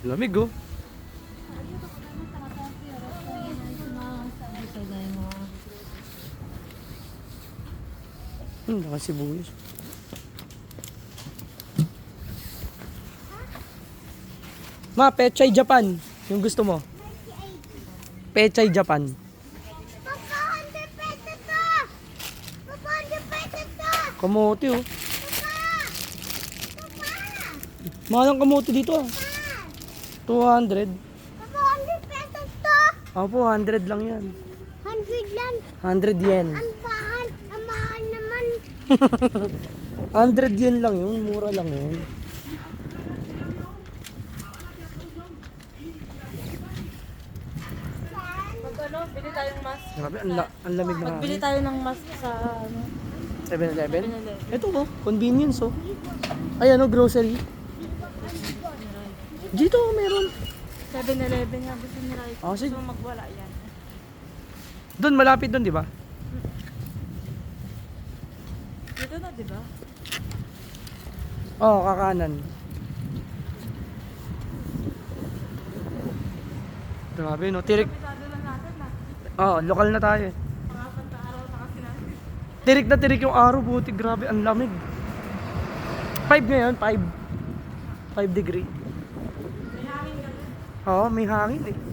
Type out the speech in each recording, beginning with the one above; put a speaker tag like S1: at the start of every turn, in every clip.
S1: Lamig oh. Nakasibuyas. Ma, Pechay Japan. Yung gusto mo? Pechay Japan.
S2: Papa, 100 pesos to! Papa, 100 pesos to!
S1: Kamote oh.
S2: Papa!
S1: Mahal ang kamote dito ah. 200.
S2: Papa, 100 pesos to!
S1: Opo, 100 lang yan.
S2: 100 lang.
S1: 100 yen.
S2: Ang mahal naman.
S1: 100 yen lang yun. Mura lang yun.
S3: Ano, bili tayong mask.
S1: Grabe, ang lamig na
S3: Magbili tayo ng mask sa ano.
S1: 7-Eleven?
S3: 7-Eleven.
S1: Ito oh, convenience oh. Ay ano, grocery. Dito meron.
S3: 7-Eleven nga gusto ni Rai.
S1: Ah, sige.
S3: Gusto mo magwala yan.
S1: Doon, malapit doon, di ba?
S3: Dito na, di ba?
S1: Oo, kakanan. Grabe no, tirik.
S3: Pisado lang natin na.
S1: Oo, lokal na tayo eh.
S3: Pangapat na araw na kasi natin.
S1: Tirik na tirik yung araw, buti. Grabe, ang lamig. 5 ngayon, 5. 5 degree.
S3: May hangin ka dun.
S1: Oo, may hangin eh.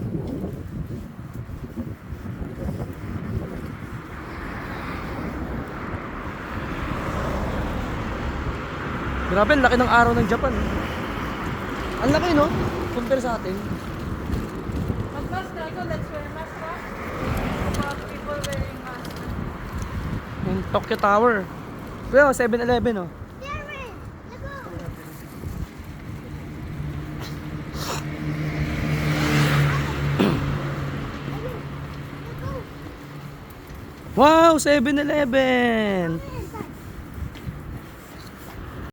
S1: Grabe, ang laki ng araw ng Japan. Ang laki no? Compare sa atin.
S3: Mag-mask na ikaw, let's wear mask ha. About people wearing mask.
S1: Yung Tokyo Tower. Well, 7-Eleven oh.
S2: Darren, let's go.
S1: Wow, 7-Eleven!